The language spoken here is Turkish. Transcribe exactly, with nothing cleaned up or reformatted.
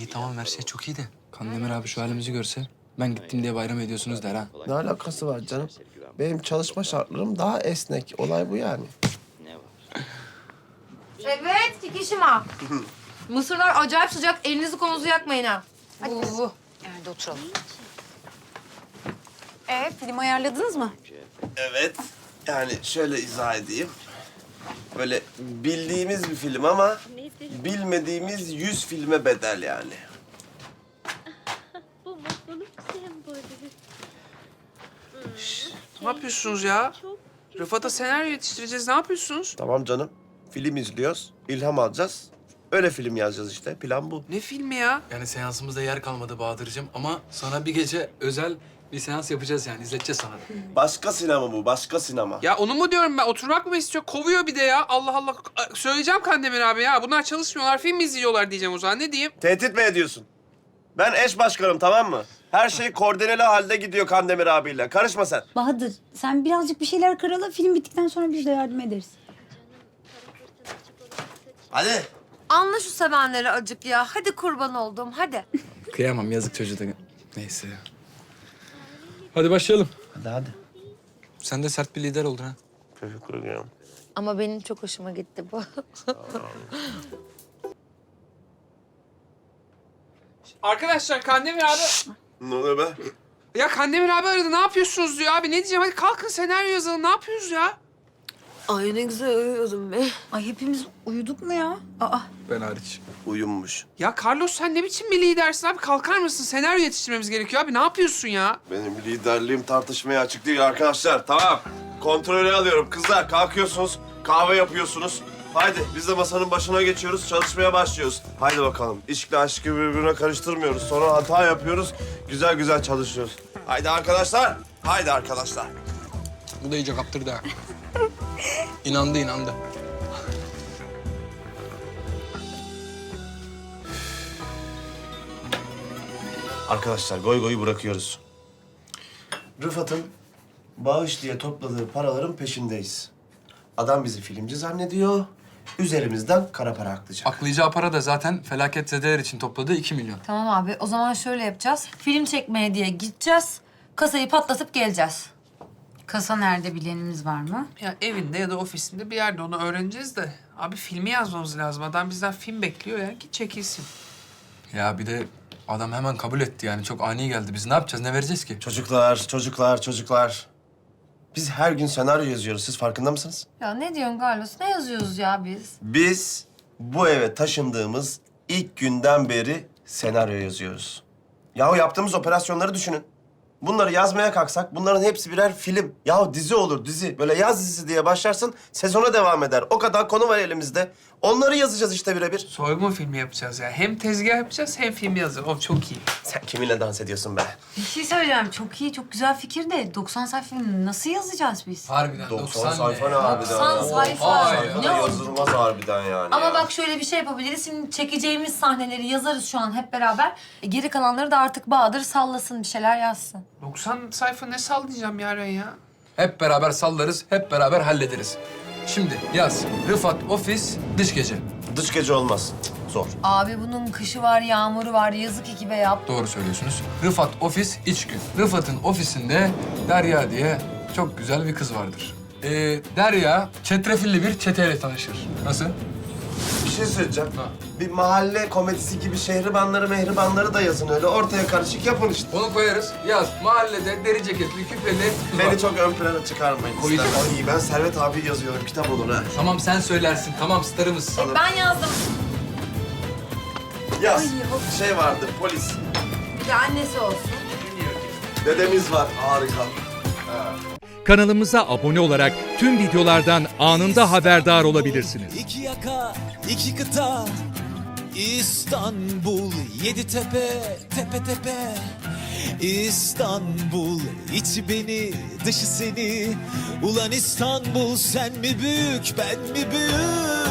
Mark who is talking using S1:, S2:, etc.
S1: İyi tamam her şey çok iyi de. Kandemir abi şu halimizi görse ben gittim diye bayram ediyorsunuz der ha.
S2: Ne alakası var canım? Benim çalışma şartlarım daha esnek. Olay bu yani.
S3: Evet, Kikişima. Mısırlar acayip sıcak. Elinizi kolunuzu yakmayın ha. Hadi. Oo.
S4: Nerede oturalım? Ee, film ayarladınız mı?
S2: Evet. Yani şöyle izah edeyim. Böyle bildiğimiz bir film ama bilmediğimiz yüz filme bedel yani.
S5: Bu mutluluk sembolü.
S6: Ne yapıyorsunuz ya? Rıfat'a senaryo yetiştireceğiz. Ne yapıyorsunuz?
S2: Tamam canım. Film izliyoruz, ilham alacağız. Öyle film yazacağız işte. Plan bu.
S6: Ne filmi ya?
S1: Yani seansımızda yer kalmadı Bahadır'cığım ama sana bir gece özel bir seans yapacağız yani izleteceğiz sana.
S2: Başka sinema bu, başka sinema.
S6: Ya onu mu diyorum ben? Oturmak mı istiyor? Kovuyor bir de ya. Allah Allah. Söyleyeceğim Kandemir abi ya. Bunlar çalışmıyorlar, film mi izliyorlar diyeceğim o zaman. Ne diyeyim?
S2: Tehdit mi ediyorsun? Ben eş başkanım, tamam mı? Her şey koordineli halde gidiyor Kandemir abiyle. Karışma sen.
S7: Bahadır, sen birazcık bir şeyler karala. Film bittikten sonra biz de yardım ederiz.
S2: Hadi.
S3: Anla şu sevenleri acık ya. Hadi kurban oldum, hadi.
S1: Kıyamam yazık çocuğa da. Neyse. Hadi başlayalım.
S2: Hadi hadi.
S1: Sen de sert bir lider oldun ha.
S2: Teşekkür ederim.
S3: Ama benim çok hoşuma gitti bu.
S6: Arkadaşlar Kandemir abi...
S2: Ne oluyor be?
S6: Ya Kandemir abi aradı. Ne yapıyorsunuz diyor abi. Ne diyeceğim? Hadi kalkın senaryo yazalım. Ne yapıyoruz ya?
S3: Ay ne güzel uyuyordum be.
S7: Ay hepimiz uyuduk mu ya? Aa,
S1: Ben hariç.
S2: Uyumuş.
S6: Ya Carlos sen ne biçim bir lidersin abi? Kalkar mısın? Senaryo yetiştirmemiz gerekiyor abi. Ne yapıyorsun ya?
S2: Benim liderliğim tartışmaya açık değil arkadaşlar. Tamam. Kontrolü alıyorum. Kızlar kalkıyorsunuz, kahve yapıyorsunuz. Haydi biz de masanın başına geçiyoruz, çalışmaya başlıyoruz. Haydi bakalım. İşle aşkı birbirine karıştırmıyoruz. Sonra hata yapıyoruz, güzel güzel çalışıyoruz. Haydi arkadaşlar, haydi arkadaşlar.
S1: Bu da iyice kaptırdı ha. İnandı inandı.
S2: Arkadaşlar goy goyu bırakıyoruz. Rıfat'ın bağış diye topladığı paraların peşindeyiz. Adam bizi filmci zannediyor. Üzerimizden kara para aklayacak.
S1: Aklayacağı para da zaten felaketzedeler için topladığı iki milyon.
S3: Tamam abi, o zaman şöyle yapacağız. Film çekmeye diye gideceğiz. Kasayı patlatıp geleceğiz.
S4: Kasa nerede bilenimiz var mı?
S6: Ya evinde ya da ofisinde bir yerde onu öğreneceğiz de. Abi filmi yazmamız lazım. Adam bizden film bekliyor ya. Git çekilsin.
S1: Ya bir de adam hemen kabul etti yani. Çok ani geldi. Biz ne yapacağız? Ne vereceğiz ki?
S2: Çocuklar, çocuklar, çocuklar. Biz her gün senaryo yazıyoruz. Siz farkında mısınız?
S3: Ya ne diyorsun Carlos? Ne yazıyoruz ya biz?
S2: Biz bu eve taşındığımız ilk günden beri senaryo yazıyoruz. Yahu yaptığımız operasyonları düşünün. Bunları yazmaya kalksak bunların hepsi birer film. Yahu dizi olur dizi. Böyle yaz dizisi diye başlarsın sezona devam eder. O kadar konu var elimizde. Onları yazacağız işte birebir.
S6: Soygun filmi yapacağız ya. Hem tezgah yapacağız hem film yazacağız. O çok iyi.
S2: Sen kiminle dans ediyorsun be?
S7: bir şey söyleyeceğim. Çok iyi, çok güzel fikir de doksan sayfa film nasıl yazacağız biz?
S1: Harbiden
S2: doksan sayfa ne harbiden?
S3: doksan sayfa.
S1: Oha ya.
S2: Sayfa da yazılmaz harbiden yani.
S3: Ama
S2: ya.
S3: bak şöyle bir şey yapabiliriz. Şimdi çekeceğimiz sahneleri yazarız şu an hep beraber. E, geri kalanları da artık Bahadır sallasın, bir şeyler yazsın.
S6: doksan sayfa ne sallayacağım Yaren ya?
S1: Hep beraber sallarız, hep beraber hallederiz. Şimdi yaz. Rıfat ofis, dış gece.
S2: Dış gece olmaz. Zor.
S3: Abi bunun kışı var, yağmuru var. Yazık ekibe yap.
S1: Doğru söylüyorsunuz. Rıfat ofis, iç gün. Rıfat'ın ofisinde Derya diye çok güzel bir kız vardır. Ee, Derya çetrefilli bir çeteyle tanışır. Nasıl?
S2: Bir şey söyleyeceğim.
S1: Ha.
S2: Bir mahalle komedisi gibi şehribanları mehribanları da yazın öyle. Ortaya karışık yapın işte.
S1: Onu koyarız. Yaz. Mahallede deri ceketli, küpeli kız var.
S2: Beni çok ön plana çıkarmayın.
S1: Koyacağım.
S2: Ay ben Servet abi yazıyorum. Kitap olur ha.
S1: Tamam sen söylersin. Tamam starımız.
S3: Ben yazdım.
S2: Yaz. Bir şey vardı. Polis.
S3: Ya annesi olsun.
S2: Dedemiz var. Harika.
S8: Kanalımıza abone olarak tüm videolardan anında haberdar olabilirsiniz.
S9: İki yaka, iki kıta, İstanbul, yedi tepe, tepe tepe. İstanbul, içi beni, dışı seni. Ulan İstanbul, sen mi büyük, ben mi büyük?